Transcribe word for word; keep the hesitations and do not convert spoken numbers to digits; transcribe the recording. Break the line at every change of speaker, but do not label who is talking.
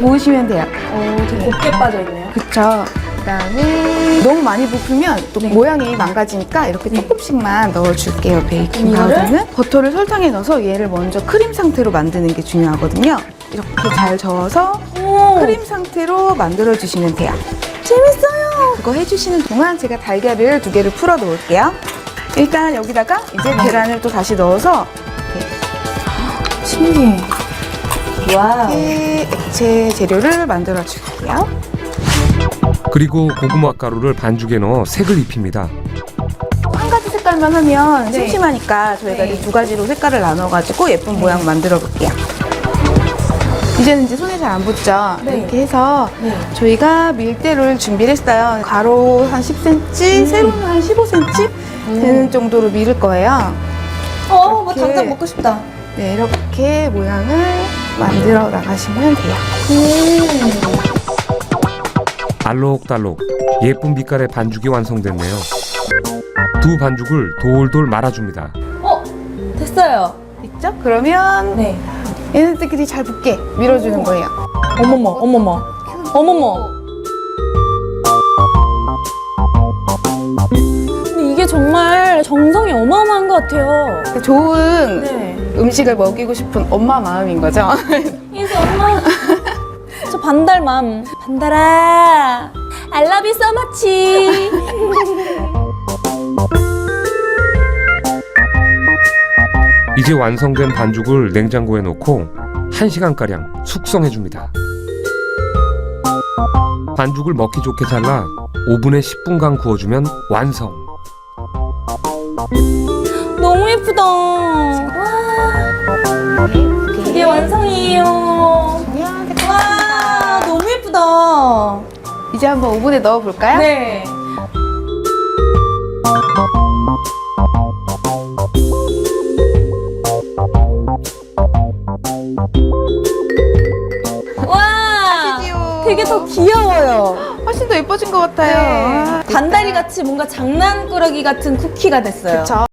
모으시면 돼요.
오, 되게 곱게 빠져있네요.
그쵸. 그다음에 너무 많이 부풀면 또
네.
모양이 망가지니까 이렇게
네.
조금씩만 넣어줄게요. 베이킹
이거를?
파우더는 버터를 설탕에 넣어서 얘를 먼저 크림 상태로 만드는 게 중요하거든요. 이렇게 잘 저어서
오,
크림 상태로 만들어 주시면 돼요.
재밌어요.
그거 해주시는 동안 제가 달걀을 두 개를 풀어 놓을게요. 일단 여기다가 이제 계란을 또 다시 넣어서
신기해. 와우.
이렇게 액체 재료를 만들어 줄게요.
그리고 고구마 가루를 반죽에 넣어 색을 입힙니다.
한 가지 색깔만 하면
네.
심심하니까 저희가
네.
이 두 가지로 색깔을 나눠가지고 예쁜 모양 만들어 볼게요. 이제는 이제 손에 잘 안 붙죠?
네.
이렇게 해서
네.
저희가 밀대를 준비를 했어요. 가로 한 십 센티미터,
음.
세로는 한 십오 센티미터 되는 정도로 밀을 거예요.
어, 뭐
이렇게.
당장 먹고 싶다.
네, 이렇게 모양을 만들어 나가시면 돼요.
음.
알록달록 예쁜 빛깔의 반죽이 완성됐네요. 두 반죽을 돌돌 말아줍니다.
어, 됐어요.
있죠? 그러면
네.
얘네들끼리 잘 붙게 밀어주는 거예요.
어머머, 어머머, 어머머. 근데 이게 정말 정성이 어마어마한 것 같아요.
좋은
네.
음식을 먹이고 싶은 엄마 마음인 거죠.
그래서 엄마, 저 반달맘. 반달아, I love you so much.
이제 완성된 반죽을 냉장고에 넣고 한 시간가량 숙성해줍니다. 반죽을 먹기 좋게 잘라 오븐에 십 분간 구워주면 완성.
너무 예쁘다. 와, 이게 완성이에요. 와, 너무 예쁘다.
이제 한번 오븐에 넣어 볼까요?
네. 와,
귀여워.
되게 더 귀여워요.
훨씬 더 예뻐진 것 같아요. 아,
반다리 같이 뭔가 장난꾸러기 같은 쿠키가 됐어요.
그쵸.